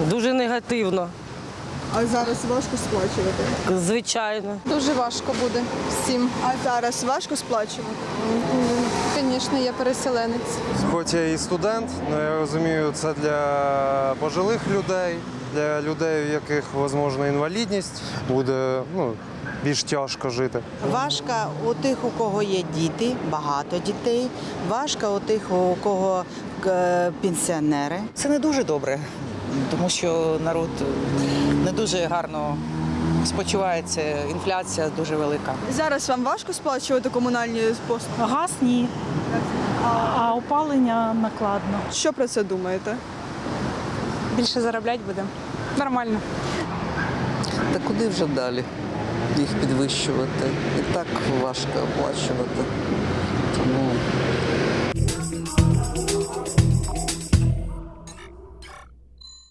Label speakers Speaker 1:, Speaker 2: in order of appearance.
Speaker 1: Дуже негативно,
Speaker 2: А зараз важко сплачувати?
Speaker 1: звичайно.
Speaker 3: Дуже важко буде всім.
Speaker 2: А зараз важко сплачувати?
Speaker 3: Звісно, я переселенець.
Speaker 4: Хоч я і студент, але я розумію, це для пожилих людей, для людей, у яких, можливо, інвалідність, буде більш тяжко жити.
Speaker 5: Важко у тих, у кого є діти, багато дітей. Важко у тих, у кого пенсіонери.
Speaker 6: Це не дуже добре, тому що народ не дуже гарно спочувається, інфляція дуже велика.
Speaker 2: Зараз вам важко сплачувати комунальні послуги?
Speaker 7: Газ – ні, а опалення накладно.
Speaker 2: Що про це думаєте?
Speaker 3: Більше заробляти будемо. Нормально.
Speaker 8: Та куди вже далі їх підвищувати? І так важко оплачувати. Тому